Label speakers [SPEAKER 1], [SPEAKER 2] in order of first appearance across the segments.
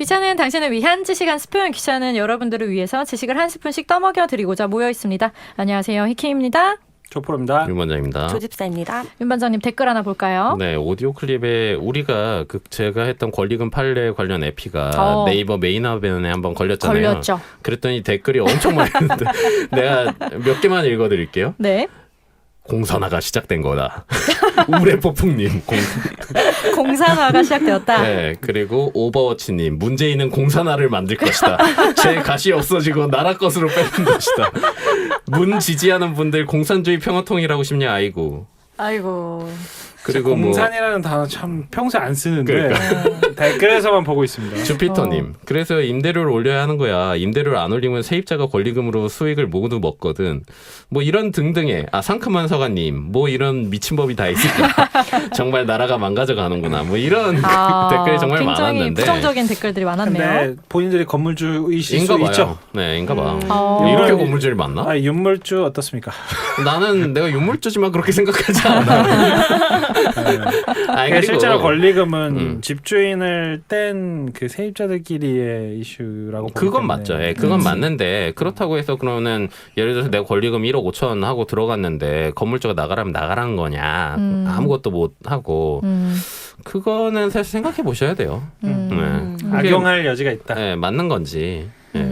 [SPEAKER 1] 귀찮은 당신을 위한 지식 한 스푼, 귀찮은 여러분들을 위해서 지식을 한 스푼씩 떠먹여 드리고자 모여 있습니다. 안녕하세요, 히키입니다.
[SPEAKER 2] 조프로입니다.
[SPEAKER 3] 윤 원장입니다.
[SPEAKER 4] 조집사입니다.
[SPEAKER 1] 윤 반장님 댓글 하나 볼까요?
[SPEAKER 3] 네, 오디오 클립에 우리가 제가 했던 권리금 판례 관련 에피가 네이버 메인 화면에 한번 걸렸잖아요.
[SPEAKER 1] 걸렸죠.
[SPEAKER 3] 그랬더니 댓글이 엄청 많이 있는데 내가 몇 개만 읽어드릴게요.
[SPEAKER 1] 네.
[SPEAKER 3] 공산화가 시작된 거다. 우레 폭풍님.
[SPEAKER 1] 공산화가 시작되었다.
[SPEAKER 3] 네, 그리고 오버워치님. 문재인은 공산화를 만들 것이다. 제 가시 없어지고 나라 것으로 뺏는 것이다. 문 지지하는 분들 공산주의 평화통일하고 싶냐? 아이고. 그리고
[SPEAKER 2] 공산이라는 단어 참 평소에 안 쓰는데
[SPEAKER 3] 그러니까.
[SPEAKER 2] 댓글에서만 보고 있습니다.
[SPEAKER 3] 주피터님. 그래서 임대료를 올려야 하는 거야. 임대료를 안 올리면 세입자가 권리금으로 수익을 모두 먹거든. 뭐 이런 등등의 상큼한 서가님. 뭐 이런 미친 법이 다 있을까. 정말 나라가 망가져가는구나. 뭐 이런 댓글이 정말
[SPEAKER 1] 굉장히
[SPEAKER 3] 많았는데.
[SPEAKER 1] 굉장히 부정적인 댓글들이 많았네요.
[SPEAKER 2] 근데 본인들이 건물주이실 수
[SPEAKER 3] 봐요.
[SPEAKER 2] 있죠.
[SPEAKER 3] 네, 인가 봐.
[SPEAKER 2] 이런
[SPEAKER 3] 이렇게 건물주를 만나?
[SPEAKER 2] 윤물주 어떻습니까?
[SPEAKER 3] 나는 내가 윤물주지만 그렇게 생각하지 않아.
[SPEAKER 2] 그리고 실제로 권리금은 집주인을 뗀 그 세입자들끼리의 이슈라고
[SPEAKER 3] 그건 맞죠. 예, 그건 맞는데 그렇다고 해서 그러면 예를 들어서 내가 권리금 1억 5천 하고 들어갔는데 건물주가 나가라면 나가라는 거냐. 아무것도 못 하고 그거는 사실 생각해 보셔야 돼요.
[SPEAKER 2] 악용할 여지가 있다.
[SPEAKER 3] 네, 맞는 건지.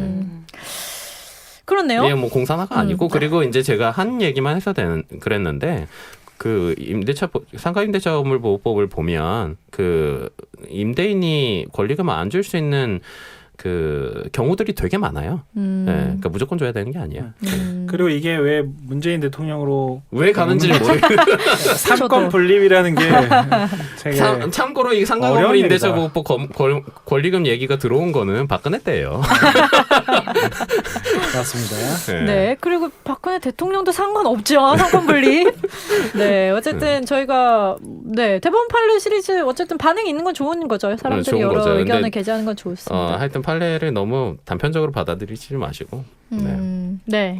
[SPEAKER 1] 그렇네요.
[SPEAKER 3] 이게 뭐 공산화가 아니고 그리고 이제 제가 한 얘기만 해서 그랬는데 그 상가 임대차 보호법을 보면 그 임대인이 권리금 안 줄 수 있는 그 경우들이 되게 많아요. 네, 그러니까 무조건 줘야 되는 게 아니에요.
[SPEAKER 2] 그리고 이게 왜 문재인 대통령으로
[SPEAKER 3] 왜 가는지를 모르겠어요.
[SPEAKER 2] 삼권 분립이라는 게 되게
[SPEAKER 3] 참고로 이 상가 임대차 보호법 권리금 얘기가 들어온 거는 박근혜 때예요.
[SPEAKER 2] 맞습니다.
[SPEAKER 1] 네, 그리고 박근혜 대통령도 상관없죠. 상권 분립. 네, 어쨌든 저희가 대법원 판례 시리즈 어쨌든 반응이 있는 건 좋은 거죠. 사람들이
[SPEAKER 3] 좋은
[SPEAKER 1] 여러
[SPEAKER 3] 거죠.
[SPEAKER 1] 의견을 게재하는 건 좋습니다.
[SPEAKER 3] 하여튼 판례를 너무 단편적으로 받아들이지 마시고.
[SPEAKER 1] 네.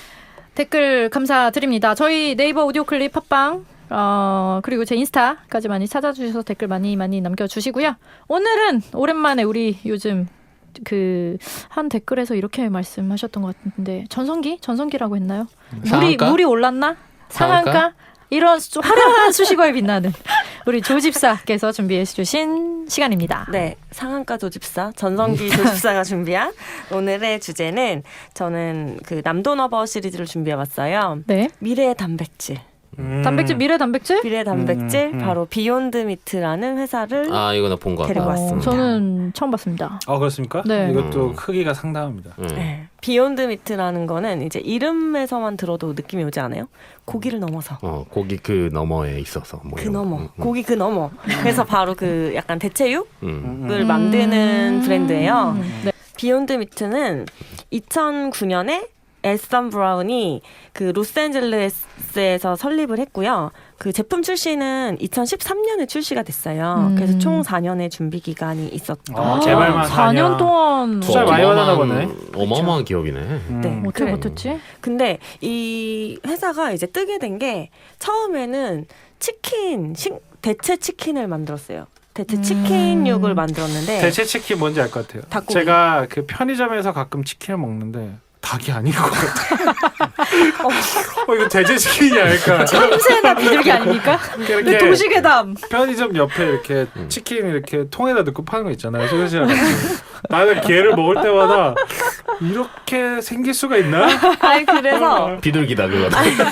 [SPEAKER 1] 댓글 감사드립니다. 저희 네이버 오디오 클립 팟빵 그리고 제 인스타까지 많이 찾아주셔서 댓글 많이 남겨주시고요. 오늘은 오랜만에 우리 요즘 한 댓글에서 이렇게 말씀하셨던 것 같은데 전성기라고 했나요? 물이 올랐나? 상한가? 이런 화려한 수식어에 빛나는 우리 조집사께서 준비해 주신 시간입니다.
[SPEAKER 4] 네, 상한가 조집사, 전성기 조집사가 준비한 오늘의 주제는 저는 그 남도너버 시리즈를 준비해봤어요.
[SPEAKER 1] 네.
[SPEAKER 4] 미래의 단백질.
[SPEAKER 1] 단백질, 미래 단백질?
[SPEAKER 4] 미래 단백질, 바로 비욘드 미트라는 회사를
[SPEAKER 3] 이거 나 본 거
[SPEAKER 4] 데리고 왔습니다.
[SPEAKER 1] 저는 처음 봤습니다.
[SPEAKER 2] 그렇습니까?
[SPEAKER 1] 네.
[SPEAKER 2] 이것도 크기가 상당합니다.
[SPEAKER 4] 네. 비욘드 미트라는 거는 이제 이름에서만 들어도 느낌이 오지 않아요? 고기를 넘어서.
[SPEAKER 3] 고기 그 너머에 있어서. 뭐
[SPEAKER 4] 고기 그 너머. 그래서 바로 그 약간 대체육을 만드는 브랜드예요.
[SPEAKER 1] 네.
[SPEAKER 4] 비욘드 미트는 2009년에 에선 브라운이 그 로스앤젤레스에서 설립을 했고요. 그 제품 출시는 2013년에 출시가 됐어요. 그래서 총 4년의 준비 기간이 있었던.
[SPEAKER 2] 개발만
[SPEAKER 1] 4년 동안
[SPEAKER 2] 투자 많이 받았나 보네.
[SPEAKER 3] 어마어마한 기업이네.
[SPEAKER 4] 네.
[SPEAKER 1] 어떻게 버텼지?
[SPEAKER 4] 근데 이 회사가 이제 뜨게 된 게 처음에는 대체 치킨을 만들었어요. 대체 치킨육을 만들었는데
[SPEAKER 2] 대체 치킨 뭔지 알 것 같아요.
[SPEAKER 4] 닭고기.
[SPEAKER 2] 제가 그 편의점에서 가끔 치킨을 먹는데 닭이 아닌 것 같아요. 이거 대체 치킨이 아닐까.
[SPEAKER 1] 참새나 비둘기 아닙니까?
[SPEAKER 2] 이렇게
[SPEAKER 1] 도시괴담.
[SPEAKER 2] 편의점 옆에 이렇게 치킨 이렇게 통에다 넣고 파는 거 있잖아요. 소시지랑 같이. 나는 걔를 먹을 때마다 이렇게 생길 수가 있나?
[SPEAKER 4] 아니 그래서
[SPEAKER 3] 비둘기다 그거.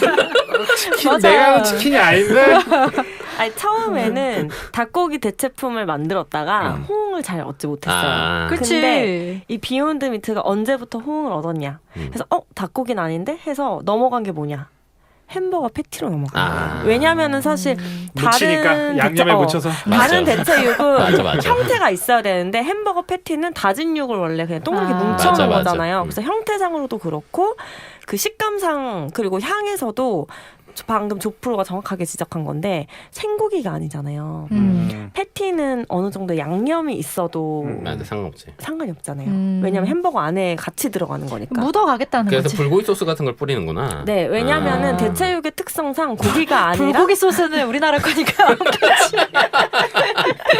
[SPEAKER 2] 치킨 내가 하는 치킨이 아닌데.
[SPEAKER 4] 아니 처음에는 닭고기 대체품을 만들었다가 호응을 잘 얻지 못했어요. 근데 이 비욘드 미트가 언제부터 호응을 얻었냐? 그래서 닭고기는 아닌데 해서 넘어간 게 뭐냐? 햄버거 패티로 넘어간 거예요. 왜냐하면은 사실
[SPEAKER 2] 다른 양념에 묻혀서
[SPEAKER 4] 다른 대체육은
[SPEAKER 3] 맞아.
[SPEAKER 4] 형태가 있어야 되는데 햄버거 패티는 다진 육을 원래 그냥 동그랗게 뭉쳐놓은 거잖아요. 그래서 형태상으로도 그렇고 그 식감상 그리고 향에서도 방금 조프로가 정확하게 지적한 건데 생고기가 아니잖아요. 패티는 어느 정도 양념이 있어도 상관이 없잖아요. 왜냐하면 햄버거 안에 같이 들어가는 거니까.
[SPEAKER 1] 묻어가겠다는
[SPEAKER 3] 그래서
[SPEAKER 1] 거지.
[SPEAKER 3] 불고기 소스 같은 걸 뿌리는구나.
[SPEAKER 4] 네, 왜냐하면은 대체육의 특성상 고기가 아니라
[SPEAKER 1] 불고기 소스는 우리나라 거니까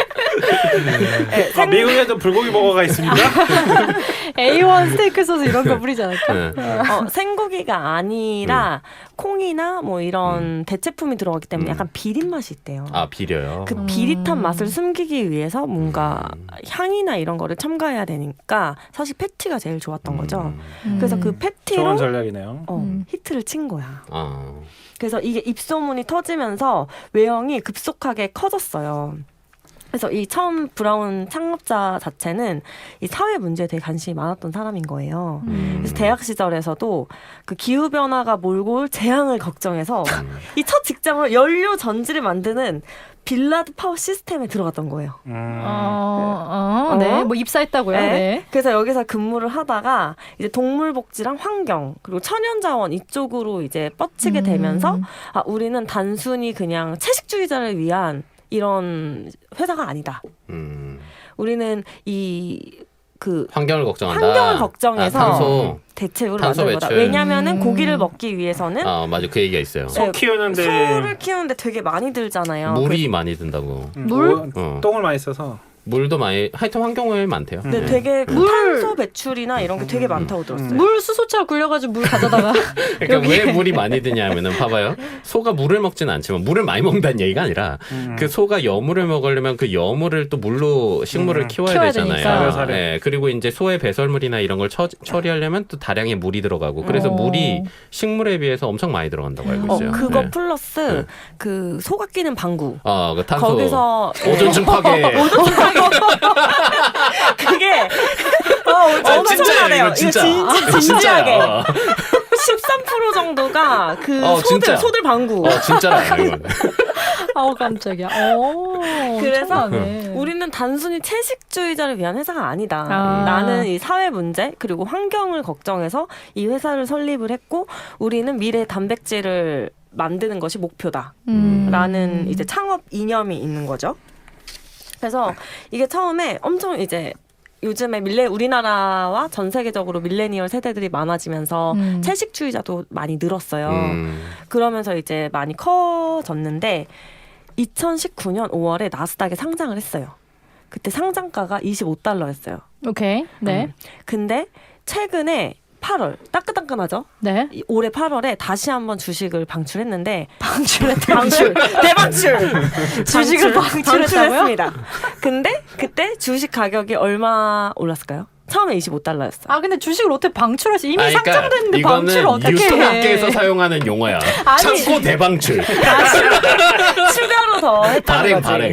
[SPEAKER 4] 네,
[SPEAKER 2] 미국에도 불고기 버거가 있습니다.
[SPEAKER 1] A1 스테이크 소스 이런 거 뿌리지 않을까?
[SPEAKER 3] 네.
[SPEAKER 4] 생고기가 아니라 콩이나 뭐 이런 대체품이 들어가기 때문에 약간 비린 맛이 있대요.
[SPEAKER 3] 아 비려요.
[SPEAKER 4] 그 비릿한 맛을 숨기기 위해서 뭔가 향이나 이런 거를 첨가해야 되니까 사실 패티가 제일 좋았던 거죠. 그래서 그
[SPEAKER 2] 좋은
[SPEAKER 4] 패티로
[SPEAKER 2] 전략이네요.
[SPEAKER 4] 히트를 친 거야.
[SPEAKER 3] 아.
[SPEAKER 4] 그래서 이게 입소문이 터지면서 외형이 급속하게 커졌어요. 그래서 이 처음 브라운 창업자 자체는 이 사회 문제에 되게 관심이 많았던 사람인 거예요. 그래서 대학 시절에서도 그 기후 변화가 몰고 올 재앙을 걱정해서 이 첫 직장으로 연료 전지를 만드는 빌라드 파워 시스템에 들어갔던 거예요.
[SPEAKER 1] 네. 뭐 입사했다고요?
[SPEAKER 4] 네.
[SPEAKER 1] 네.
[SPEAKER 4] 그래서 여기서 근무를 하다가 이제 동물복지랑 환경 그리고 천연자원 이쪽으로 이제 뻗치게 되면서 아 우리는 단순히 그냥 채식주의자를 위한 이런 회사가 아니다. 우리는 그
[SPEAKER 3] 환경을 걱정한다.
[SPEAKER 4] 환경을 걱정해서
[SPEAKER 3] 탄소.
[SPEAKER 4] 대체육을
[SPEAKER 3] 탄소
[SPEAKER 4] 만든 거다.
[SPEAKER 3] 배출.
[SPEAKER 4] 왜냐면은 고기를 먹기 위해서는
[SPEAKER 3] 아 맞아 그 얘기가 있어요.
[SPEAKER 2] 소 키우는데
[SPEAKER 4] 소를 키우는데 되게 많이 들잖아요.
[SPEAKER 3] 물이 많이 든다고.
[SPEAKER 1] 물?
[SPEAKER 2] 똥을 많이 써서.
[SPEAKER 3] 물도 많이 하여튼 환경오염이 많대요.
[SPEAKER 4] 네, 되게 그 탄소 배출이나 이런 게 되게 많다고 들었어요.
[SPEAKER 1] 물 수소차 굴려가지고 물 가져다가
[SPEAKER 3] 그러니까 왜 물이 많이 드냐면은 봐봐요. 소가 물을 먹지는 않지만 물을 많이 먹는다는 얘기가 아니라 그 소가 여물을 먹으려면 그 여물을 또 물로 식물을 키워야
[SPEAKER 1] 키워야
[SPEAKER 3] 되잖아요.
[SPEAKER 2] 되니까.
[SPEAKER 3] 네, 그리고 이제 소의 배설물이나 이런 걸 처리하려면 또 다량의 물이 들어가고 그래서 물이 식물에 비해서 엄청 많이 들어간다고 알고 있어요.
[SPEAKER 4] 그거
[SPEAKER 3] 네.
[SPEAKER 4] 플러스 그 소가 끼는 방구.
[SPEAKER 3] 그 탄소
[SPEAKER 4] 거기서
[SPEAKER 3] 오존층 파괴.
[SPEAKER 4] 그게
[SPEAKER 3] 진짜예요.
[SPEAKER 4] 엄청나네요.
[SPEAKER 3] 이거 진짜.
[SPEAKER 4] 진지하게.
[SPEAKER 3] 진짜야.
[SPEAKER 4] 13% 정도가 그
[SPEAKER 3] 진짜.
[SPEAKER 4] 소들 방구.
[SPEAKER 3] 진짜라 이건.
[SPEAKER 1] 아우 깜짝이야.
[SPEAKER 4] 그래서
[SPEAKER 1] 엄청나네.
[SPEAKER 4] 우리는 단순히 채식주의자를 위한 회사가 아니다.
[SPEAKER 1] 아.
[SPEAKER 4] 나는 이 사회 문제 그리고 환경을 걱정해서 이 회사를 설립을 했고 우리는 미래 단백질을 만드는 것이 목표다. 라는 이제 창업 이념이 있는 거죠. 그래서 이게 처음에 엄청 이제 요즘에 우리나라와 전 세계적으로 밀레니얼 세대들이 많아지면서 채식주의자도 많이 늘었어요. 그러면서 이제 많이 커졌는데 2019년 5월에 나스닥에 상장을 했어요. 그때 상장가가 $25였어요.
[SPEAKER 1] 오케이. 네.
[SPEAKER 4] 근데 최근에 8월 따끈따끈하죠?
[SPEAKER 1] 네.
[SPEAKER 4] 올해 8월에 다시 한번 주식을 방출했는데
[SPEAKER 1] 방출.
[SPEAKER 4] 대방출
[SPEAKER 1] 주식을 방출했다고요?
[SPEAKER 4] 방출했습니다. 근데 그때 주식 가격이 얼마 올랐을까요? 처음에 $25였어.
[SPEAKER 1] 아 근데 주식을 어떻게 방출했어? 이미
[SPEAKER 3] 그러니까
[SPEAKER 1] 상장됐는데 방출을 어떻게 해?
[SPEAKER 3] 유통업계에서 사용하는 용어야.
[SPEAKER 1] 아니.
[SPEAKER 3] 창고 대방출.
[SPEAKER 4] 추가로 더 했다는
[SPEAKER 3] 발행.
[SPEAKER 4] 거지.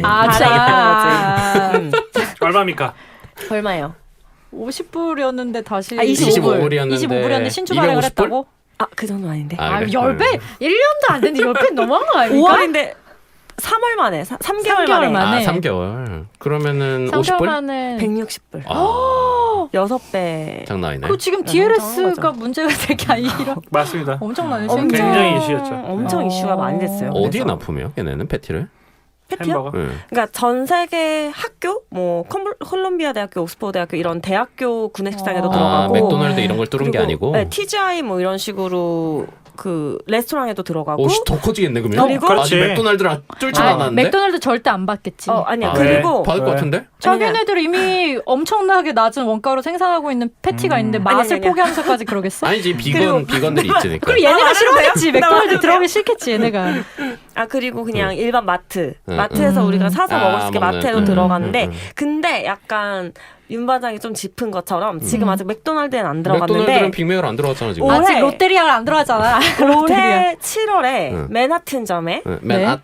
[SPEAKER 1] 아,
[SPEAKER 2] 얼마입니까?
[SPEAKER 4] 얼마예요?
[SPEAKER 1] 50불이었는데 다시
[SPEAKER 3] 25불이었는데
[SPEAKER 1] 25불이었는데 신주 발행을
[SPEAKER 3] 250불?
[SPEAKER 1] 했다고?
[SPEAKER 4] 그 정도 아닌데.
[SPEAKER 1] 아,
[SPEAKER 3] 그래?
[SPEAKER 1] 10배? 1년도 안 됐는데 10배 너무한 거 아닙니까?
[SPEAKER 4] 5월인데 3월 만에 3개월
[SPEAKER 1] 3개월
[SPEAKER 4] 만에
[SPEAKER 1] 만에.
[SPEAKER 3] 3개월. 그러면은
[SPEAKER 1] 3개월
[SPEAKER 3] 50불?
[SPEAKER 1] 만에
[SPEAKER 4] 160불.
[SPEAKER 3] 아,
[SPEAKER 4] 6배.
[SPEAKER 3] 장난 아니네.
[SPEAKER 1] 그 지금
[SPEAKER 4] 엄청난
[SPEAKER 1] DLS가
[SPEAKER 4] 거죠.
[SPEAKER 1] 문제가 될 게 아니라
[SPEAKER 2] 맞습니다.
[SPEAKER 1] 엄청나네.
[SPEAKER 4] 엄청-
[SPEAKER 2] 굉장히 이슈였죠.
[SPEAKER 4] 엄청 이슈가 많이 됐어요.
[SPEAKER 3] 어디에
[SPEAKER 4] 그래서.
[SPEAKER 3] 납품해요? 걔네는 패티를?
[SPEAKER 4] 패티요?
[SPEAKER 2] 햄버거.
[SPEAKER 3] 네.
[SPEAKER 4] 그러니까 전 세계 학교, 뭐 콜롬비아 대학교, 옥스퍼드 대학교 이런 대학교 구내식당에도
[SPEAKER 1] 아,
[SPEAKER 4] 들어가고,
[SPEAKER 3] 맥도날드 이런 걸 뚫은 게
[SPEAKER 4] 그리고,
[SPEAKER 3] 아니고.
[SPEAKER 4] 네, TGI 뭐 이런 식으로 그 레스토랑에도 들어가고.
[SPEAKER 3] 오씨 더 커지겠네 그러면.
[SPEAKER 4] 그리고-
[SPEAKER 3] 아직
[SPEAKER 2] 그렇지.
[SPEAKER 3] 맥도날드를 뚫진
[SPEAKER 1] 아,
[SPEAKER 3] 않았는데.
[SPEAKER 1] 맥도날드 절대 안 받겠지.
[SPEAKER 4] 아니야.
[SPEAKER 3] 아,
[SPEAKER 4] 그리고
[SPEAKER 3] 받을 것
[SPEAKER 2] 왜?
[SPEAKER 3] 같은데?
[SPEAKER 1] 자기네들 이미 엄청나게 낮은 원가로 생산하고 있는 패티가 있는데 맛을
[SPEAKER 4] 아니야.
[SPEAKER 1] 포기하면서까지 그러겠어?
[SPEAKER 3] 아니지 비건들이 있으니까.
[SPEAKER 1] 그리고 얘네가
[SPEAKER 4] 말해도
[SPEAKER 1] 싫어하겠지.
[SPEAKER 4] 돼요?
[SPEAKER 1] 맥도날드
[SPEAKER 4] 말해도
[SPEAKER 1] 들어가기 싫겠지 얘네가.
[SPEAKER 4] 그리고 그냥 일반 마트,
[SPEAKER 3] 응,
[SPEAKER 4] 마트에서 우리가 사서
[SPEAKER 3] 아,
[SPEAKER 4] 먹을 수 있게
[SPEAKER 3] 먹는,
[SPEAKER 4] 마트에도
[SPEAKER 3] 응,
[SPEAKER 4] 들어가는데,
[SPEAKER 3] 응, 응.
[SPEAKER 4] 근데 약간 윤 반장이 좀 짚은 것처럼 지금 아직 맥도날드엔 안
[SPEAKER 3] 맥도날드는
[SPEAKER 4] 들어갔는데.
[SPEAKER 3] 빅맥을 안 들어갔잖아 지금.
[SPEAKER 4] 오, 올해-
[SPEAKER 1] 아직 롯데리아가 안 들어가잖아.
[SPEAKER 4] 올해 7월에
[SPEAKER 3] 응.
[SPEAKER 4] 맨하튼점에
[SPEAKER 3] 네.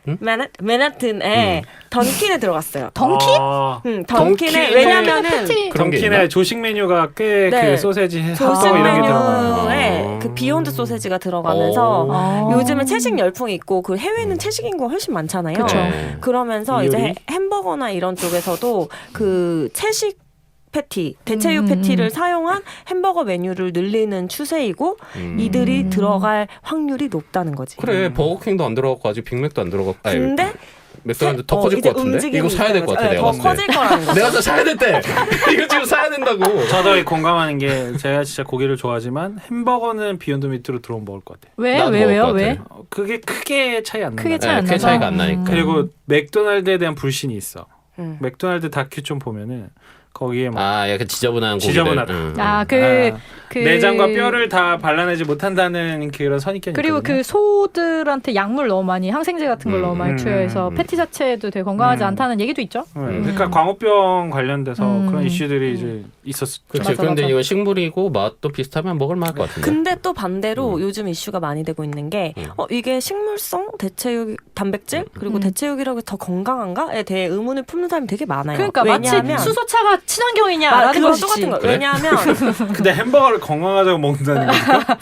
[SPEAKER 4] 맨하튼에 던킨에 들어갔어요.
[SPEAKER 1] 던키?
[SPEAKER 4] 던킨에
[SPEAKER 3] 던킨에
[SPEAKER 4] 왜냐면은
[SPEAKER 1] 패티.
[SPEAKER 3] 그런 게 있나?
[SPEAKER 2] 던킨의 조식 메뉴가 꽤
[SPEAKER 4] 네.
[SPEAKER 2] 그 소세지,
[SPEAKER 4] 조식
[SPEAKER 2] 핫도그 이런 게 들어가요.
[SPEAKER 4] 메뉴에 그 비욘드 소세지가 들어가면서
[SPEAKER 1] 아.
[SPEAKER 4] 요즘에 채식 열풍이 있고 그 해외는 채식 인구가 훨씬 많잖아요.
[SPEAKER 1] 그쵸.
[SPEAKER 3] 네.
[SPEAKER 4] 그러면서
[SPEAKER 2] 이효리?
[SPEAKER 4] 이제 햄버거나 이런 쪽에서도 그 채식 패티, 대체육 패티를 사용한 햄버거 메뉴를 늘리는 추세이고 이들이 들어갈 확률이 높다는 거지.
[SPEAKER 3] 그래 버거킹도 안 들어갔고 아직 빅맥도 안 들어갔고. 아니,
[SPEAKER 4] 근데
[SPEAKER 3] 맥도날드 더 커질
[SPEAKER 4] 이제
[SPEAKER 3] 것 같은데?
[SPEAKER 4] 움직임이
[SPEAKER 3] 이거 사야 될 것 같아
[SPEAKER 4] 있다는
[SPEAKER 3] 내가
[SPEAKER 4] 거지.
[SPEAKER 3] 봤을
[SPEAKER 4] 더
[SPEAKER 3] 때.
[SPEAKER 4] 커질 거라는 거죠.
[SPEAKER 3] 내가 더 사야 됐대. 이거 지금 사야 된다고.
[SPEAKER 2] 저도 공감하는 게 제가 진짜 고기를 좋아하지만 햄버거는 비욘드 미트로 들어오면 먹을 것 같아요.
[SPEAKER 1] 왜?
[SPEAKER 3] 나도 먹을
[SPEAKER 1] 왜요?
[SPEAKER 3] 것
[SPEAKER 1] 왜?
[SPEAKER 3] 같아.
[SPEAKER 2] 그게 크게 차이 안
[SPEAKER 1] 크게
[SPEAKER 2] 나요.
[SPEAKER 1] 차이 안
[SPEAKER 3] 네, 그
[SPEAKER 1] 나서.
[SPEAKER 3] 차이가 안 나니까.
[SPEAKER 2] 그리고 맥도날드에 대한 불신이 있어. 맥도날드 다큐 좀 보면은 거기에 막
[SPEAKER 3] 약간 지저분한 고기들.
[SPEAKER 2] 지저분하다.
[SPEAKER 1] 그
[SPEAKER 2] 내장과 뼈를 다 발라내지 못한다는 그런 선입견이
[SPEAKER 1] 그리고
[SPEAKER 2] 있거든요.
[SPEAKER 1] 그 소들한테 약물 너무 많이 항생제 같은 걸 너무 많이 투여해서 패티 자체도 되게 건강하지 않다는 얘기도 있죠.
[SPEAKER 2] 그러니까 광우병 관련돼서 그런 이슈들이 이제 있었죠.
[SPEAKER 3] 그렇죠.
[SPEAKER 1] 맞아,
[SPEAKER 3] 그런데
[SPEAKER 1] 맞아.
[SPEAKER 3] 이건 식물이고 맛도 비슷하면 먹을 만할 것 같은데.
[SPEAKER 4] 근데 또 반대로 요즘 이슈가 많이 되고 있는 게 이게 식물성 대체육 단백질 그리고 대체육이라고 더 건강한가에 대해 의문을 품는 사람이 되게 많아요.
[SPEAKER 1] 그러니까
[SPEAKER 4] 왜냐하면
[SPEAKER 1] 마치 수소차가 친환경이냐라는
[SPEAKER 4] 그거
[SPEAKER 1] 것이지.
[SPEAKER 4] 똑같은 거.
[SPEAKER 1] 그래?
[SPEAKER 4] 왜냐하면
[SPEAKER 2] 근데 햄버거를 건강하자고 먹는다는 거니까.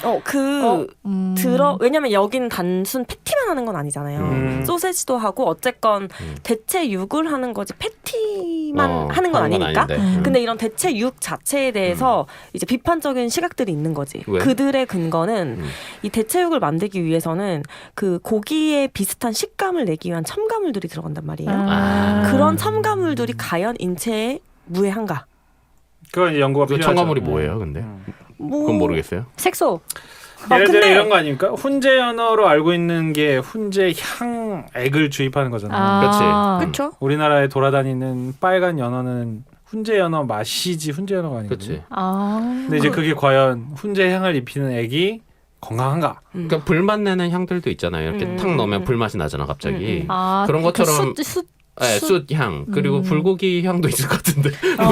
[SPEAKER 4] 왜냐면 여기는 단순 패티만 하는 건 아니잖아요. 소세지도 하고 어쨌건 대체육을 하는 거지 패티만 하는 건 아니니까. 근데 이런 대체육 자체에 대해서 이제 비판적인 시각들이 있는 거지.
[SPEAKER 3] 왜?
[SPEAKER 4] 그들의 근거는 이 대체육을 만들기 위해서는 그 고기에 비슷한 식감을 내기 위한 첨가물들이 들어간단 말이에요. 그런 첨가물들이 과연 인체에 무해한가?
[SPEAKER 2] 그건 연구가
[SPEAKER 3] 그
[SPEAKER 2] 필요하죠.
[SPEAKER 3] 첨가물이 뭐예요, 근데? 그건 모르겠어요.
[SPEAKER 1] 색소.
[SPEAKER 2] 예를 들어
[SPEAKER 4] 근데-
[SPEAKER 2] 이런 거 아닙니까? 훈제 연어로 알고 있는 게 훈제 향액을 주입하는 거잖아요.
[SPEAKER 4] 그렇죠.
[SPEAKER 2] 우리나라에 돌아다니는 빨간 연어는 훈제 연어 맛이지 훈제 연어가 아니거든요.
[SPEAKER 3] 그렇지.
[SPEAKER 2] 근데 이제 그게 과연 훈제 향을 입히는 액이 건강한가?
[SPEAKER 3] 그러니까 불맛 내는 향들도 있잖아요. 이렇게 탁 넣으면 불맛이 나잖아, 갑자기. 그런 것처럼 숯향 그리고 불고기 향도 있을 것 같은데.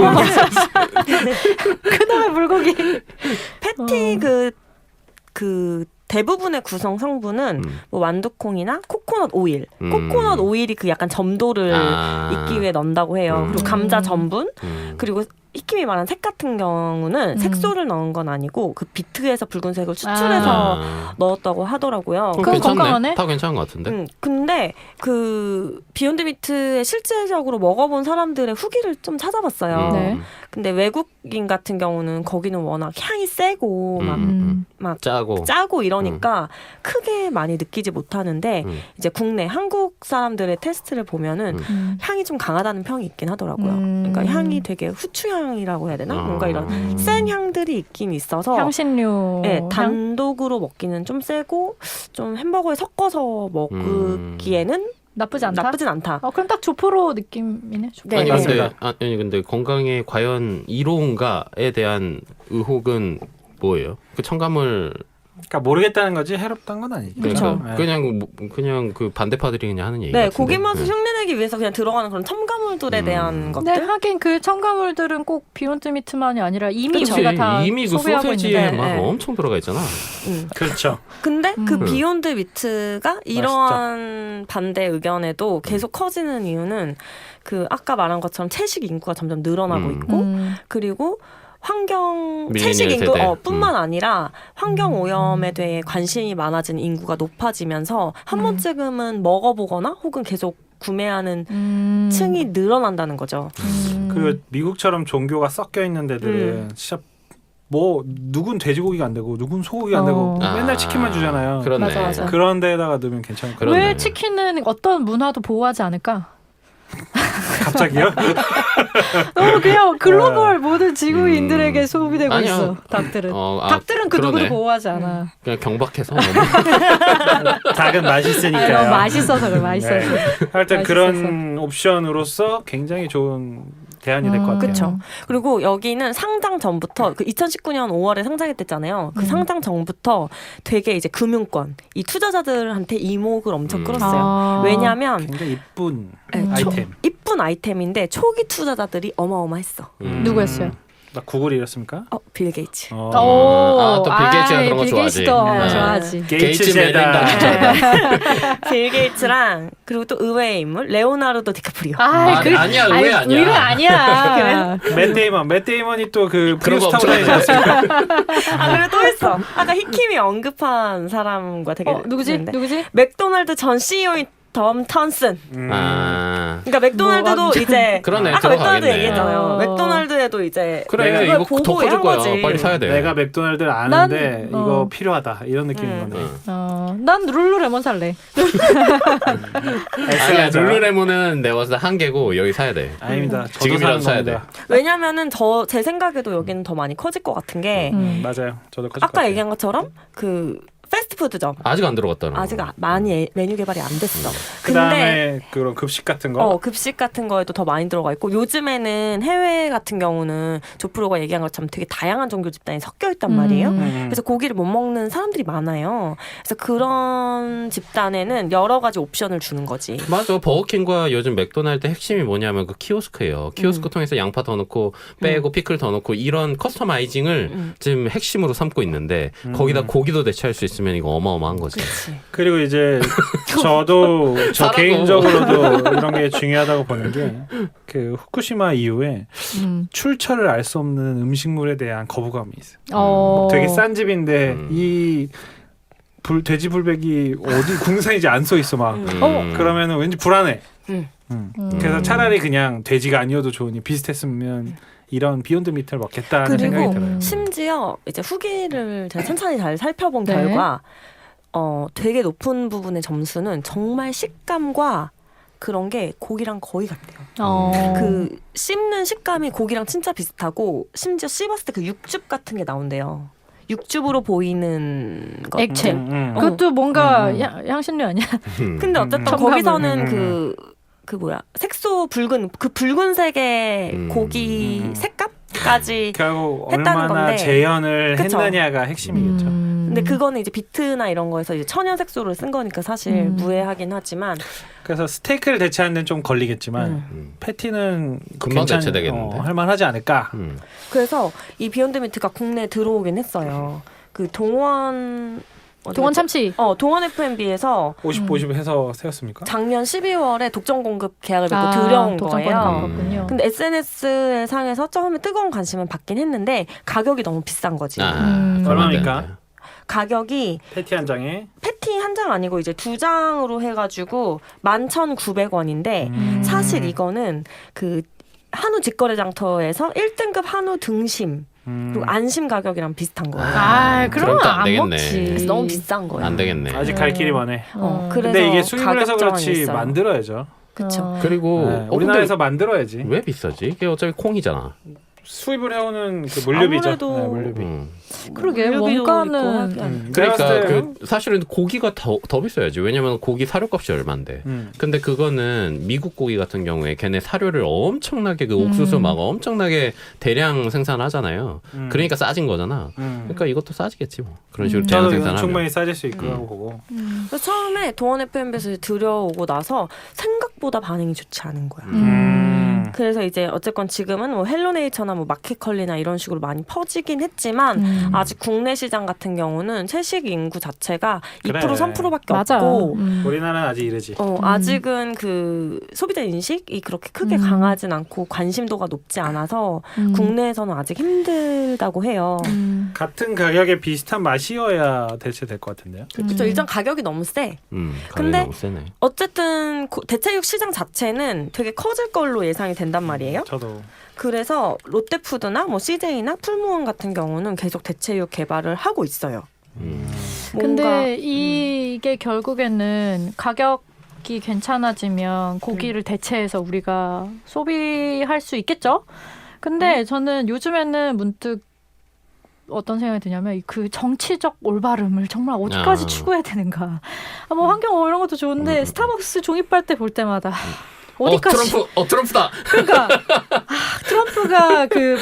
[SPEAKER 1] 그다음에 물고기.
[SPEAKER 4] 패티 그 대부분의 구성 성분은 뭐 완두콩이나 코코넛 오일. 코코넛 오일이 그 약간 점도를 잇기 위해 넣는다고 해요. 그리고 감자 전분. 그리고 히킴이 말한 색 같은 경우는 색소를 넣은 건 아니고 그 비트에서 붉은색을 추출해서 넣었다고 하더라고요.
[SPEAKER 1] 그건
[SPEAKER 3] 괜찮네.
[SPEAKER 1] 건강하네?
[SPEAKER 3] 다 괜찮은 것 같은데.
[SPEAKER 4] 근데 그 비욘드 미트에 실제적으로 먹어본 사람들의 후기를 좀 찾아봤어요.
[SPEAKER 1] 네.
[SPEAKER 4] 근데 외국인 같은 경우는 거기는 워낙 향이 세고 막 짜고 이러니까 크게 많이 느끼지 못하는데 이제 국내 한국 사람들의 테스트를 보면은 향이 좀 강하다는 평이 있긴 하더라고요. 그러니까 향이 되게 후추향이라고 해야 되나? 뭔가 이런 센 향들이 있긴 있어서
[SPEAKER 1] 향신료.
[SPEAKER 4] 네, 단독으로 먹기는 좀 세고 좀 햄버거에 섞어서 먹기에는
[SPEAKER 1] 나쁘지 않다.
[SPEAKER 4] 나쁘진 않다.
[SPEAKER 1] 그럼 딱 조포로 느낌이네. 조포.
[SPEAKER 4] 네,
[SPEAKER 3] 아니 근데 건강에 과연 이로운가에 대한 의혹은 뭐예요? 그 첨가물
[SPEAKER 2] 그러니까 모르겠다는 거지 해롭다는 건 아니죠.
[SPEAKER 4] 그렇죠.
[SPEAKER 3] 그냥 그 반대파들이 그냥 하는 얘기
[SPEAKER 4] 네,
[SPEAKER 3] 같은데.
[SPEAKER 4] 고기 맛을 흉내내기 위해서 그냥 들어가는 그런 첨가물들에 대한
[SPEAKER 1] 근데
[SPEAKER 4] 것들.
[SPEAKER 1] 하긴 그 첨가물들은 꼭 비욘드 미트만이 아니라 이미
[SPEAKER 3] 그치.
[SPEAKER 1] 우리가 다
[SPEAKER 3] 이미 그
[SPEAKER 1] 소비하고
[SPEAKER 3] 소세지에
[SPEAKER 1] 있는데.
[SPEAKER 3] 막
[SPEAKER 4] 네.
[SPEAKER 3] 엄청 들어가 있잖아.
[SPEAKER 2] 그렇죠.
[SPEAKER 4] 근데 그 비욘드 미트가 이러한 반대 의견에도
[SPEAKER 1] 음.
[SPEAKER 4] 계속 커지는 이유는 그 아까 말한 것처럼 채식 인구가 점점 늘어나고 있고 그리고 채식
[SPEAKER 3] 밀레니얼
[SPEAKER 4] 인구
[SPEAKER 3] 세대.
[SPEAKER 4] 뿐만 아니라 환경 오염에 대해 관심이 많아진 인구가 높아지면서 한 번쯤은 먹어보거나 혹은 계속 구매하는 층이 늘어난다는 거죠.
[SPEAKER 2] 그리고 미국처럼 종교가 섞여 있는 데들은 진짜 뭐 누군 돼지고기가 안 되고 누군 소고기가 안 되고 맨날 치킨만 주잖아요.
[SPEAKER 3] 그렇네.
[SPEAKER 1] 맞아.
[SPEAKER 2] 그런 데다가 넣으면 괜찮을 것 같아요.
[SPEAKER 3] 그렇네.
[SPEAKER 1] 왜 치킨은 어떤 문화도 보호하지 않을까?
[SPEAKER 2] 갑자기요?
[SPEAKER 1] 너무 그냥 글로벌 모든 지구인들에게 소비되고
[SPEAKER 3] 아니요.
[SPEAKER 1] 있어. 닭들은.
[SPEAKER 3] 어,
[SPEAKER 1] 닭들은 그 누구도
[SPEAKER 3] 그러네.
[SPEAKER 1] 보호하지 않아.
[SPEAKER 3] 그냥 경박해서
[SPEAKER 2] 닭은 맛있으니까요.
[SPEAKER 1] 너무 맛있어서 그래. 맛있어서.
[SPEAKER 2] 하여튼
[SPEAKER 1] 맛있어서.
[SPEAKER 2] 그런 옵션으로서 굉장히 좋은 대안이 될 것 같아요.
[SPEAKER 4] 그렇죠. 그리고 여기는 상장 전부터 그 2019년 5월에 상장했댔잖아요. 그 상장 전부터 되게 이제 금융권, 이 투자자들한테 이목을 엄청 끌었어요. 왜냐하면
[SPEAKER 2] 굉장히 이쁜
[SPEAKER 4] 네,
[SPEAKER 2] 아이템.
[SPEAKER 4] 이쁜 아이템인데 초기 투자자들이 어마어마했어.
[SPEAKER 1] 누구였어요?
[SPEAKER 2] 나 구글이었습니까?
[SPEAKER 4] 빌 게이츠.
[SPEAKER 1] 오,
[SPEAKER 3] 또 빌 게이츠가 그런 거
[SPEAKER 1] 빌
[SPEAKER 3] 좋아하지.
[SPEAKER 1] 게이츠도
[SPEAKER 3] 네.
[SPEAKER 1] 좋아하지.
[SPEAKER 2] 게이츠 제다.
[SPEAKER 4] 빌 게이츠랑 그리고 또 의외의 인물 레오나르도 디카프리오.
[SPEAKER 3] 아니야, 의외 아니야.
[SPEAKER 1] 의외 아니야.
[SPEAKER 2] 맷 데이먼이 또 그
[SPEAKER 3] 그런
[SPEAKER 2] 프리우스
[SPEAKER 3] 거
[SPEAKER 2] 타고 다니지 않습니까?
[SPEAKER 4] 그리고 또 있어. 아까 히킴이 언급한 사람과 되게
[SPEAKER 1] 누구지?
[SPEAKER 4] 있는데.
[SPEAKER 1] 누구지?
[SPEAKER 4] 맥도날드 전 CEO인 덤 턴슨.
[SPEAKER 3] 그러니까
[SPEAKER 4] 맥도날드도 이제
[SPEAKER 3] 그러네,
[SPEAKER 4] 아까 맥도날드
[SPEAKER 3] 들어가겠네.
[SPEAKER 4] 얘기했잖아요. 맥도날드에도 이제
[SPEAKER 3] 그래
[SPEAKER 4] 이걸
[SPEAKER 3] 이거
[SPEAKER 4] 보고
[SPEAKER 3] 더 커질
[SPEAKER 4] 한
[SPEAKER 3] 거야.
[SPEAKER 4] 거지.
[SPEAKER 3] 빨리 사야 돼.
[SPEAKER 2] 내가 맥도날드를 아는데
[SPEAKER 1] 난,
[SPEAKER 2] 이거 필요하다 이런 느낌인 거네.
[SPEAKER 1] 난 룰루레몬 살래.
[SPEAKER 3] 아니야 룰루레몬은 내가 봤을 때 한 개고 여기 사야 돼.
[SPEAKER 2] 아닙니다. 저도
[SPEAKER 3] 지금이라도
[SPEAKER 2] 사는
[SPEAKER 3] 사야 돼.
[SPEAKER 2] 겁니다.
[SPEAKER 4] 왜냐면은 제 생각에도 여기는 더 많이 커질 것 같은 게
[SPEAKER 2] 맞아요. 저도 커질 것
[SPEAKER 4] 아까
[SPEAKER 2] 같아요.
[SPEAKER 4] 얘기한 것처럼 그 패스트푸드점.
[SPEAKER 3] 아직 안 들어갔다는 거.
[SPEAKER 4] 아직 많이 메뉴 개발이 안 됐어.
[SPEAKER 2] 그다음에 그런 급식 같은 거.
[SPEAKER 4] 급식 같은 거에도 더 많이 들어가 있고 요즘에는 해외 같은 경우는 조프로가 얘기한 것처럼 되게 다양한 종교 집단이 섞여 있단 말이에요. 그래서 고기를 못 먹는 사람들이 많아요. 그래서 그런 집단에는 여러 가지 옵션을 주는 거지.
[SPEAKER 3] 맞아. 버거킹과 요즘 맥도날드 핵심이 뭐냐면 그 키오스크예요. 키오스크 통해서 양파 더 넣고 빼고 피클 더 넣고 이런 커스터마이징을 지금 핵심으로 삼고 있는데 거기다 고기도 대체할 수 있으면 이거 어마어마한 거지.
[SPEAKER 4] 그치.
[SPEAKER 2] 그리고 이제 저도 저
[SPEAKER 3] 사라고.
[SPEAKER 2] 개인적으로도 이런 게 중요하다고 보는 게 그 후쿠시마 이후에 출처를 알 수 없는 음식물에 대한 거부감이 있어요. 되게 싼 집인데 이 돼지 불백이 어디 국내산인지 안 써 있어 막. 그러면은 왠지 불안해. 그래서 차라리 그냥 돼지가 아니어도 좋으니 비슷했으면 이런 비욘드 미트를 먹겠다는 생각이
[SPEAKER 4] 그리고
[SPEAKER 2] 들어요.
[SPEAKER 4] 심지어 이제 후기를 제가 천천히 잘 살펴본
[SPEAKER 1] 네.
[SPEAKER 4] 결과 되게 높은 부분의 점수는 정말 식감과 그런 게 고기랑 거의 같대요. 그 씹는 식감이 고기랑 진짜 비슷하고 심지어 씹었을 때 그 육즙 같은 게 나온대요. 육즙으로 보이는 것.
[SPEAKER 1] 액체.
[SPEAKER 2] 음.
[SPEAKER 1] 그것도 뭔가 향신료 아니야?
[SPEAKER 4] 근데 어쨌든
[SPEAKER 1] 첨가물.
[SPEAKER 4] 거기서는 그 뭐야 색소 붉은색의 고기 색감까지
[SPEAKER 2] 결국
[SPEAKER 4] 했다는
[SPEAKER 2] 얼마나
[SPEAKER 4] 건데.
[SPEAKER 2] 재현을
[SPEAKER 4] 그쵸.
[SPEAKER 2] 했느냐가 핵심이겠죠.
[SPEAKER 4] 근데 그거는 이제 비트나 이런 거에서 이제 천연 색소를 쓴 거니까 사실 무해하긴 하지만
[SPEAKER 2] 그래서 스테이크를 대체하는 데는 좀 걸리겠지만 패티는
[SPEAKER 3] 금방 대체되겠는데?
[SPEAKER 2] 할만하지 않을까.
[SPEAKER 4] 그래서 이 비욘드 미트가 국내에 들어오긴 했어요. 그 동원
[SPEAKER 1] 참치.
[SPEAKER 4] 동원 F&B에서
[SPEAKER 2] 50 해서 세웠습니까?
[SPEAKER 4] 작년 12월에 독점 공급 계약을 맺고 들여온 거예요.
[SPEAKER 1] 거예요.
[SPEAKER 4] 근데 SNS 상에서 처음에 뜨거운 관심은 받긴 했는데 가격이 너무 비싼 거지.
[SPEAKER 2] 얼마입니까?
[SPEAKER 4] 가격이
[SPEAKER 2] 패티 한 장에
[SPEAKER 4] 패티 한 장 아니고 이제 2장으로 해가지고 11,900원인데 사실 이거는 그 한우 직거래 장터에서 1등급 한우 등심 그리고 안심 가격이랑 비슷한 거예요.
[SPEAKER 1] 그러면
[SPEAKER 3] 그럼 또안
[SPEAKER 1] 안
[SPEAKER 3] 되겠네.
[SPEAKER 1] 먹지.
[SPEAKER 4] 그래서 너무 비싼 거예요.
[SPEAKER 3] 안 되겠네.
[SPEAKER 2] 아직 갈 길이 많네.
[SPEAKER 4] 그래서
[SPEAKER 2] 근데 이게 수입을 해서
[SPEAKER 4] 가격
[SPEAKER 2] 그렇지
[SPEAKER 4] 저항이 있어요.
[SPEAKER 2] 만들어야죠.
[SPEAKER 4] 그쵸.
[SPEAKER 3] 그리고
[SPEAKER 2] 네, 우리나라에서 만들어야지.
[SPEAKER 3] 왜 비싸지? 이게 어차피 콩이잖아.
[SPEAKER 2] 수입을 해오는 그 물류비죠.
[SPEAKER 4] 아무래도
[SPEAKER 2] 네, 물류비.
[SPEAKER 1] 그러게
[SPEAKER 4] 물류비도
[SPEAKER 1] 원가는
[SPEAKER 4] 있고
[SPEAKER 3] 그러니까
[SPEAKER 2] 내가 봤을 때
[SPEAKER 3] 그 사실은 고기가 더 비싸야지. 왜냐면 고기 사료값이 얼만데. 근데 그거는 미국 고기 같은 경우에 걔네 사료를 엄청나게 그 옥수수 막 엄청나게 대량 생산하잖아요. 그러니까 싸진 거잖아. 그러니까 이것도 싸지겠지 뭐. 그런 식으로 대량
[SPEAKER 2] 저도
[SPEAKER 3] 생산하면.
[SPEAKER 2] 충분히 싸질 수 있고 보고.
[SPEAKER 4] 그래서 처음에 동원 FM에서 들여오고 나서 생각보다 반응이 좋지 않은 거야. 그래서 이제 어쨌건 지금은 뭐 헬로네이처나 뭐 마켓컬리나 이런 식으로 많이 퍼지긴 했지만 아직 국내 시장 같은 경우는 채식 인구 자체가
[SPEAKER 2] 그래.
[SPEAKER 4] 2% 3%밖에
[SPEAKER 1] 맞아.
[SPEAKER 4] 없고
[SPEAKER 2] 우리나라는 아직 이르지.
[SPEAKER 4] 아직은 그 소비자 인식이 그렇게 크게 강하진 않고 관심도가 높지 않아서 국내에서는 아직 힘들다고 해요.
[SPEAKER 2] 같은 가격에 비슷한 맛이어야 대체될 것 같은데요.
[SPEAKER 4] 그렇죠. 일단 가격이 너무 세.
[SPEAKER 3] 가격이
[SPEAKER 4] 근데
[SPEAKER 3] 너무 세네.
[SPEAKER 4] 어쨌든 대체육 시장 자체는 되게 커질 걸로 예상이 된단 말이에요.
[SPEAKER 2] 저도.
[SPEAKER 4] 그래서 롯데푸드나 뭐 CJ나 풀무원 같은 경우는 계속 대체육 개발을 하고 있어요.
[SPEAKER 1] 근데 이게 결국에는 가격이 괜찮아지면 고기를 대체해서 우리가 소비할 수 있겠죠? 근데 저는 요즘에는 문득 어떤 생각이 드냐면 그 정치적 올바름을 정말 어디까지 추구해야 되는가. 뭐 환경 이런 것도 좋은데 스타벅스 종이빨대 볼 때마다 어디까지
[SPEAKER 3] 트럼프다.
[SPEAKER 1] 그러니까 트럼프가 그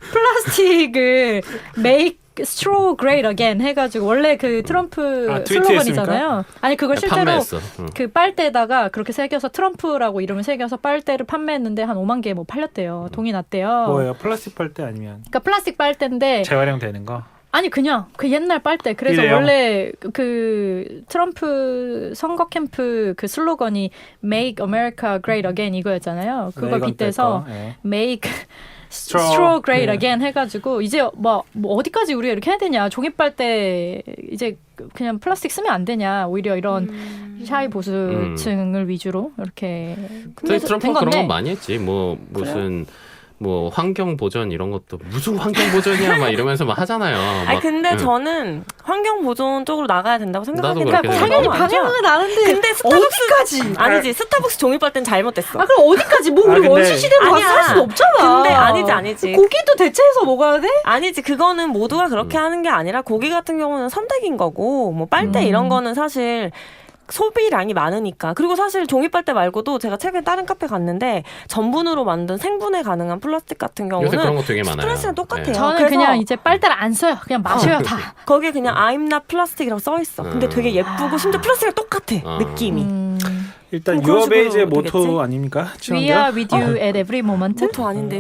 [SPEAKER 1] 플라스틱을 make straw great again 해가지고 원래 그 트럼프 슬로건이잖아요. 아니 그걸 실제로
[SPEAKER 3] 판매했어.
[SPEAKER 1] 그 빨대에다가 그렇게 새겨서 트럼프라고 이름을 새겨서 빨대를 판매했는데 한 5만 개 뭐 팔렸대요. 돈이 났대요.
[SPEAKER 2] 뭐예요? 플라스틱 빨대 아니면
[SPEAKER 1] 그러니까 플라스틱 빨대인데
[SPEAKER 2] 재활용되는 거?
[SPEAKER 1] 아니 그냥 그 옛날 빨대. 그래서
[SPEAKER 2] 일회용?
[SPEAKER 1] 원래 그 트럼프 선거 캠프 그 슬로건이 Make America Great Again 이거였잖아요. 그걸
[SPEAKER 2] 이건
[SPEAKER 1] 빗대서
[SPEAKER 2] 뗄 거. 예.
[SPEAKER 1] Make
[SPEAKER 2] Straw
[SPEAKER 1] Straw Great
[SPEAKER 2] 그-
[SPEAKER 1] Again 해가지고 이제 뭐 어디까지 우리가 이렇게 해야 되냐. 종이빨대 이제 그냥 플라스틱 쓰면 안 되냐. 오히려 이런 샤이 보수층을 위주로 이렇게
[SPEAKER 3] 근데
[SPEAKER 1] 된
[SPEAKER 3] 트럼프가 그런
[SPEAKER 1] 건데.
[SPEAKER 3] 건 많이 했지. 뭐 무슨 뭐 환경 보전 이런 것도 무슨 환경 보전이야 막 이러면서 막 하잖아요.
[SPEAKER 4] 아니 근데 저는 환경 보존 쪽으로 나가야 된다고 생각하는데
[SPEAKER 3] 나도 그렇게
[SPEAKER 1] 당연히
[SPEAKER 3] 생각해.
[SPEAKER 1] 방향은 아는데
[SPEAKER 4] 근데 스타벅스
[SPEAKER 1] 어디까지?
[SPEAKER 4] 아니지 스타벅스 종이빨대는 잘못됐어.
[SPEAKER 1] 아 그럼 어디까지? 뭐 우리
[SPEAKER 2] 근데-
[SPEAKER 1] 원시 시대로 가서
[SPEAKER 4] 아니야.
[SPEAKER 1] 살 수는 없잖아.
[SPEAKER 4] 근데 아니지.
[SPEAKER 1] 고기도 대체해서 먹어야 돼?
[SPEAKER 4] 아니지 그거는 모두가 그렇게 하는 게 아니라 고기 같은 경우는 선택인 거고 뭐 빨대 이런 거는 사실 소비량이 많으니까. 그리고 사실 종이빨대 말고도 제가 최근에 다른 카페 갔는데 전분으로 만든 생분해 가능한 플라스틱 같은
[SPEAKER 3] 요새 그런
[SPEAKER 4] 경우는
[SPEAKER 3] 거 되게 많아요.
[SPEAKER 4] 스트레스랑 똑같아요.
[SPEAKER 3] 네.
[SPEAKER 1] 저는
[SPEAKER 4] 그래서-
[SPEAKER 1] 그냥 이제 빨대를 안 써요. 그냥 마셔요 다.
[SPEAKER 4] 거기에 그냥 I'm not plastic이라고 써 있어. 근데 되게 예쁘고 심지어 플라스틱이랑 똑같아 느낌이.
[SPEAKER 2] 일단
[SPEAKER 4] 그런
[SPEAKER 2] 유어베이즈의
[SPEAKER 4] 식으로
[SPEAKER 2] 모토
[SPEAKER 4] 되겠지?
[SPEAKER 2] 아닙니까?
[SPEAKER 1] We are with you at every moment.
[SPEAKER 4] 모토 아닌데.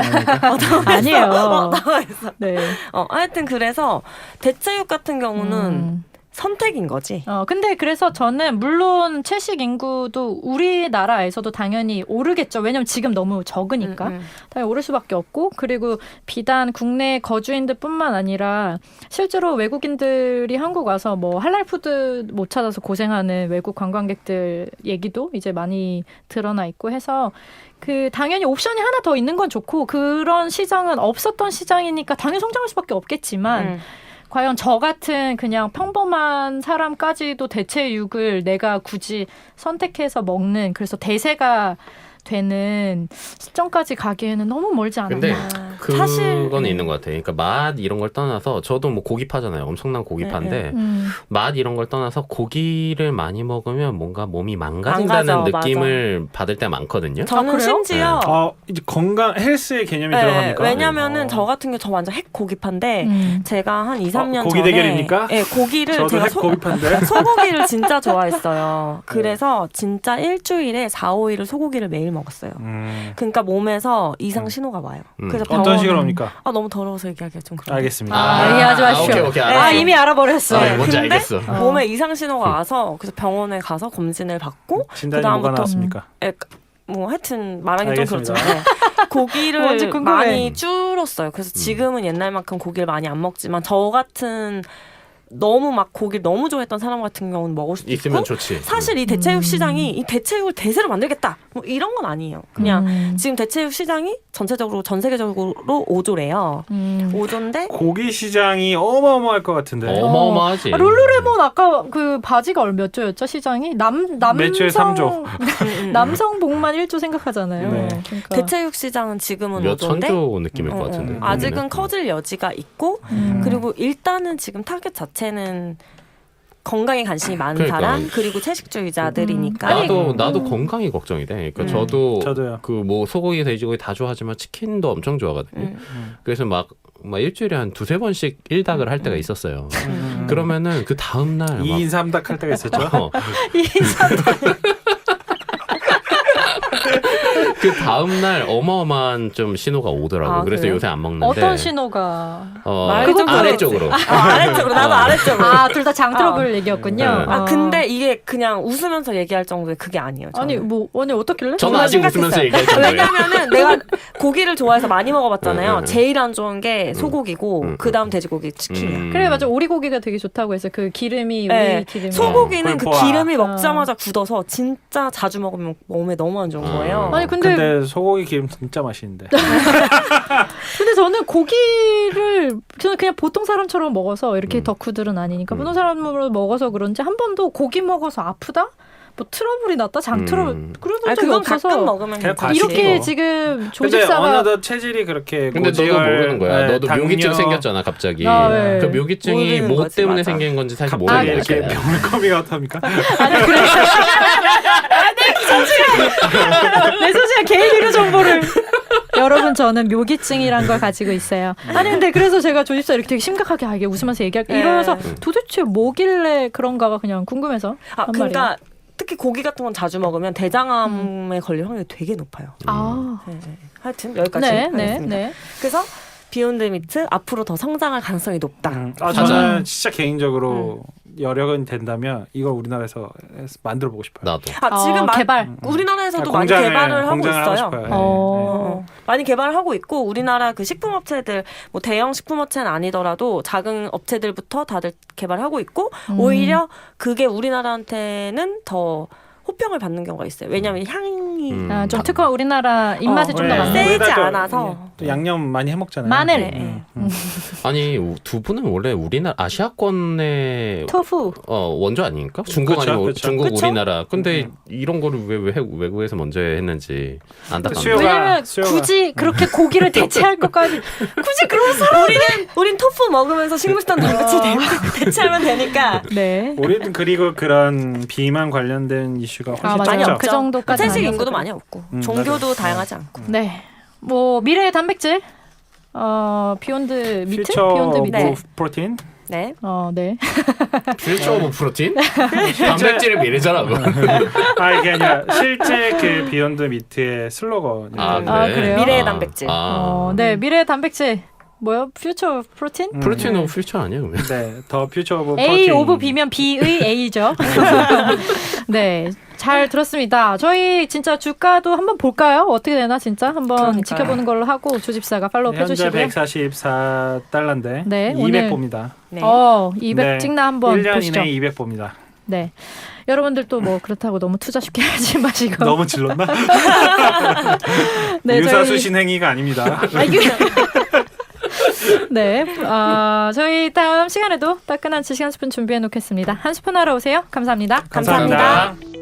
[SPEAKER 1] 아니에요. 네.
[SPEAKER 4] 하여튼 그래서 대체육 같은 경우는 선택인 거지.
[SPEAKER 1] 근데 그래서 저는 물론 채식 인구도 우리나라에서도 당연히 오르겠죠. 왜냐면 지금 너무 적으니까. 당연히 오를 수밖에 없고 그리고 비단 국내 거주인들뿐만 아니라 실제로 외국인들이 한국 와서 뭐 할랄 푸드 못 찾아서 고생하는 외국 관광객들 얘기도 이제 많이 드러나 있고 해서 그 당연히 옵션이 하나 더 있는 건 좋고 그런 시장은 없었던 시장이니까 당연히 성장할 수밖에 없겠지만 과연 저 같은 그냥 평범한 사람까지도 대체육을 내가 굳이 선택해서 먹는 그래서 대세가 되는 시점까지 가기에는 너무 멀지 않았나.
[SPEAKER 3] 근데
[SPEAKER 4] 사실
[SPEAKER 3] 그거는 있는 것 같아요. 그러니까 맛 이런 걸 떠나서 저도 뭐 고기파잖아요. 엄청난 고기파인데 맛 이런 걸 떠나서 고기를 많이 먹으면 뭔가 몸이 망가진다는
[SPEAKER 4] 망가져,
[SPEAKER 3] 느낌을 받을 때 많거든요.
[SPEAKER 4] 저는
[SPEAKER 1] 그래요?
[SPEAKER 4] 심지어
[SPEAKER 2] 이제 건강 헬스의 개념이 들어갑니까?
[SPEAKER 4] 왜냐면은 저 같은 경우 저 완전 핵 고기파인데 제가 한 2, 3년
[SPEAKER 2] 고기
[SPEAKER 4] 전에
[SPEAKER 2] 대결입니까?
[SPEAKER 4] 네, 고기를
[SPEAKER 2] 저도
[SPEAKER 4] 제가
[SPEAKER 2] 핵 고기파인데.
[SPEAKER 4] 소고기를 진짜 좋아했어요. 그래서 진짜 일주일에 4, 5일을 소고기를 매일 먹었어요. 그러니까 몸에서 이상 신호가 와요. 그래서
[SPEAKER 2] 어떤 식으로 합니까?
[SPEAKER 4] 너무 더러워서 얘기하기가 좀 그런데.
[SPEAKER 2] 알겠습니다.
[SPEAKER 1] 이해하지 마십시오.
[SPEAKER 3] 오케이,
[SPEAKER 1] 아
[SPEAKER 3] 알았어.
[SPEAKER 1] 이미 알아버렸어.
[SPEAKER 3] 뭔지
[SPEAKER 4] 근데
[SPEAKER 3] 알겠어.
[SPEAKER 4] 몸에 이상 신호가 와서 그래서 병원에 가서 검진을 받고
[SPEAKER 2] 진단이 뭐가
[SPEAKER 4] 그다음부터
[SPEAKER 2] 나왔습니까?
[SPEAKER 4] 뭐 하여튼 말하기 좀
[SPEAKER 2] 알겠습니다.
[SPEAKER 4] 그렇지만 고기를
[SPEAKER 1] 뭔지 궁금해.
[SPEAKER 4] 많이 줄었어요. 그래서 지금은 옛날만큼 고기를 많이 안 먹지만 저 같은 너무 막 고기를 너무 좋아했던 사람 같은 경우는 먹을 수도
[SPEAKER 3] 있으면
[SPEAKER 4] 있고
[SPEAKER 3] 좋지.
[SPEAKER 4] 사실 이 대체육 시장이 이 대체육을 대세로 만들겠다 뭐 이런 건 아니에요. 그냥 지금 대체육 시장이 전체적으로 전 세계적으로 5조래요. 5조인데
[SPEAKER 2] 고기 시장이 어마어마할 것 같은데.
[SPEAKER 3] 어마어마하지.
[SPEAKER 1] 룰루레몬 아까 그 바지가 몇 조였죠 시장이?
[SPEAKER 2] 매출의
[SPEAKER 1] 남성 남성 복만 1조 생각하잖아요.
[SPEAKER 2] 네.
[SPEAKER 1] 그러니까.
[SPEAKER 4] 대체육 시장은 지금은
[SPEAKER 3] 몇
[SPEAKER 4] 5조인데
[SPEAKER 3] 천조 느낌일 것 같은데.
[SPEAKER 4] 아직은 커질 여지가 있고 그리고 일단은 지금 타겟 자체는 건강에 관심이 많은
[SPEAKER 3] 그러니까.
[SPEAKER 4] 사람 그리고 채식주의자들이니까
[SPEAKER 3] 나도 건강이 걱정이 돼. 그러니까
[SPEAKER 2] 저도요.
[SPEAKER 3] 그 뭐 소고기, 돼지고기 다 좋아하지만 치킨도 엄청 좋아하거든요. 그래서 막 일주일에 한 2-3번씩 1닭을 할 때가 있었어요. 그러면은 그 다음 날
[SPEAKER 2] 2인 3닭 할 때가 있었죠.
[SPEAKER 3] 그 다음 날 어마어마한 좀 신호가 오더라고. 그래서
[SPEAKER 4] 그래요?
[SPEAKER 3] 요새 안 먹는데.
[SPEAKER 1] 어떤 신호가?
[SPEAKER 4] 말이 좀
[SPEAKER 3] 아래쪽으로.
[SPEAKER 4] 아래쪽으로 나도 아래쪽으로
[SPEAKER 1] 둘 다 장 트러블 얘기였군요.
[SPEAKER 4] 근데 이게 그냥 웃으면서 얘기할 정도의 그게 아니에요. 저는.
[SPEAKER 1] 아니 어떻길래?
[SPEAKER 3] 저는 아직 웃으면서 얘기할 정도예요.
[SPEAKER 4] 왜냐면은 내가 고기를 좋아해서 많이 먹어봤잖아요.
[SPEAKER 3] 응.
[SPEAKER 4] 제일 안 좋은 게 소고기고 그 다음 돼지고기, 치킨이야.
[SPEAKER 1] 그래 맞아 오리고기가 되게 좋다고 해서 그 기름이
[SPEAKER 4] 네.
[SPEAKER 1] 오리 기름이
[SPEAKER 4] 소고기는 그
[SPEAKER 2] 꿀뽀아.
[SPEAKER 4] 기름이 먹자마자 굳어서 진짜 자주 먹으면 몸에 너무 안 좋은 거예요.
[SPEAKER 1] 아니 근데
[SPEAKER 2] 소고기 기름 진짜 맛있는데.
[SPEAKER 1] 근데 저는 고기를 저는 그냥 보통 사람처럼 먹어서 이렇게 덕후들은 아니니까 보통 사람으로 먹어서 그런지 한 번도 고기 먹어서 아프다? 뭐 트러블이 났다? 장 트러블 그런 적이
[SPEAKER 4] 그건
[SPEAKER 1] 없어서
[SPEAKER 4] 가끔 먹으면
[SPEAKER 2] 그냥
[SPEAKER 4] 괜찮지.
[SPEAKER 1] 이렇게
[SPEAKER 2] 뭐.
[SPEAKER 1] 지금
[SPEAKER 2] 근데
[SPEAKER 1] 조직사가
[SPEAKER 2] 어느덧 체질이 그렇게
[SPEAKER 3] 근데 너도
[SPEAKER 2] 고지혈,
[SPEAKER 3] 모르는 거야. 너도
[SPEAKER 2] 당뇨,
[SPEAKER 3] 묘기증 생겼잖아 갑자기.
[SPEAKER 1] 네.
[SPEAKER 3] 그 묘기증이
[SPEAKER 4] 모르는
[SPEAKER 3] 뭐
[SPEAKER 4] 거지,
[SPEAKER 3] 때문에
[SPEAKER 4] 맞아.
[SPEAKER 3] 생긴 건지 사실
[SPEAKER 2] 갑자기
[SPEAKER 3] 모르는
[SPEAKER 2] 이렇게
[SPEAKER 3] 거야.
[SPEAKER 2] 병물거미가 어떻습니까?
[SPEAKER 1] 아니 그래 내 소중한 개인 의료 정보를 여러분 저는 묘기증이란 걸 가지고 있어요. 아니 근데 그래서 제가 조집사 이렇게 되게 심각하게 이게 웃으면서 얘기할게 이러면서 도대체 뭐길래 그런가가 그냥 궁금해서 한 말이에요.
[SPEAKER 4] 그러니까 특히 고기 같은 건 자주 먹으면 대장암에 걸릴 확률이 되게 높아요. 네. 하여튼 여기까지 하겠습니다.
[SPEAKER 1] 네.
[SPEAKER 4] 그래서 비욘드 미트 앞으로 더 성장할 가능성이 높다.
[SPEAKER 2] 저는 진짜 개인적으로 여력은 된다면 이걸 우리나라에서 만들어 보고 싶어요.
[SPEAKER 3] 나도.
[SPEAKER 4] 지금
[SPEAKER 1] 개발.
[SPEAKER 4] 우리나라에서도 많이 개발을 하고 있어요.
[SPEAKER 2] 싶어요.
[SPEAKER 4] 많이 개발을 하고 있고 우리나라 그 식품업체들 뭐 대형 식품업체는 아니더라도 작은 업체들부터 다들 개발하고 있고 오히려 그게 우리나라한테는 더 호평을 받는 경우가 있어요. 왜냐하면 향이
[SPEAKER 1] 좀 특허 우리나라 입맛에 좀 더
[SPEAKER 2] 네.
[SPEAKER 1] 맞는.
[SPEAKER 4] 세지
[SPEAKER 2] 우리나라 또
[SPEAKER 4] 않아서.
[SPEAKER 2] 또 양념 많이 해 먹잖아요.
[SPEAKER 1] 마늘.
[SPEAKER 4] 네.
[SPEAKER 3] 아니 두 분은 원래 우리나라 아시아권의
[SPEAKER 1] 토fu.
[SPEAKER 3] 원조 아닙니까? 중국
[SPEAKER 2] 그쵸,
[SPEAKER 3] 아니면
[SPEAKER 2] 그쵸.
[SPEAKER 3] 중국
[SPEAKER 4] 그쵸?
[SPEAKER 3] 우리나라. 근데 이런 거를 왜 외국에서 먼저 했는지 안타깝네요.
[SPEAKER 2] 수요가-
[SPEAKER 1] 왜냐면 굳이 그렇게 고기를 대체할 것까지 굳이 그런 사람.
[SPEAKER 4] 우린 토fu 먹으면서 식물성 단백질 대체하면 되니까.
[SPEAKER 1] 네.
[SPEAKER 2] 우리는 그리고 그런 비만 관련된 이슈가 훨씬
[SPEAKER 1] 맞아요.
[SPEAKER 2] 적죠.
[SPEAKER 1] 그 정도까지
[SPEAKER 4] 채식
[SPEAKER 1] 아니어서
[SPEAKER 4] 인구도
[SPEAKER 1] 그래요.
[SPEAKER 4] 많이 없고
[SPEAKER 2] 맞아.
[SPEAKER 4] 종교도 다양하지 않고.
[SPEAKER 1] 네. 뭐 미래의 단백질. 비욘드 미트?
[SPEAKER 2] 퓨처
[SPEAKER 1] 비욘드 미트.
[SPEAKER 4] 네.
[SPEAKER 2] 프로틴.
[SPEAKER 4] 네.
[SPEAKER 1] 네.
[SPEAKER 3] 퓨처 오브 프로틴? 단백질을 미래잖아.
[SPEAKER 2] 이게 아니라 실제 그 비욘드 미트의 슬로건.
[SPEAKER 1] 그래요?
[SPEAKER 4] 미래의 단백질.
[SPEAKER 1] 네. 미래의 단백질. 뭐요? 퓨처 프로틴?
[SPEAKER 3] 프로틴 오브 퓨처 아니에요? 그러면?
[SPEAKER 2] 네, 더 퓨처 오브
[SPEAKER 1] A
[SPEAKER 2] 프로틴.
[SPEAKER 1] 오브 B면 B의 A죠. 네, 잘 들었습니다. 저희 진짜 주가도 한번 볼까요? 어떻게 되나 진짜 한번
[SPEAKER 4] 그러니까요.
[SPEAKER 1] 지켜보는 걸로 하고 조집사가 팔로우
[SPEAKER 2] 현재
[SPEAKER 1] 해주시고요.
[SPEAKER 2] 144달러인데
[SPEAKER 1] 네,
[SPEAKER 2] 200
[SPEAKER 1] 오늘-
[SPEAKER 2] 봅니다.
[SPEAKER 4] 네.
[SPEAKER 1] 200
[SPEAKER 2] 네,
[SPEAKER 1] 찍나 한번
[SPEAKER 2] 1년
[SPEAKER 1] 보시죠.
[SPEAKER 2] 이내에 200 봅니다.
[SPEAKER 1] 네, 여러분들도 뭐 그렇다고 너무 투자 쉽게 하지 마시고.
[SPEAKER 2] 너무 질렀나?
[SPEAKER 1] 네,
[SPEAKER 2] 유사수 신행위가 아닙니다.
[SPEAKER 1] 네, 저희 다음 시간에도 따끈한 지식 한 스푼 준비해 놓겠습니다. 한 스푼 하러 오세요. 감사합니다.
[SPEAKER 4] 감사합니다.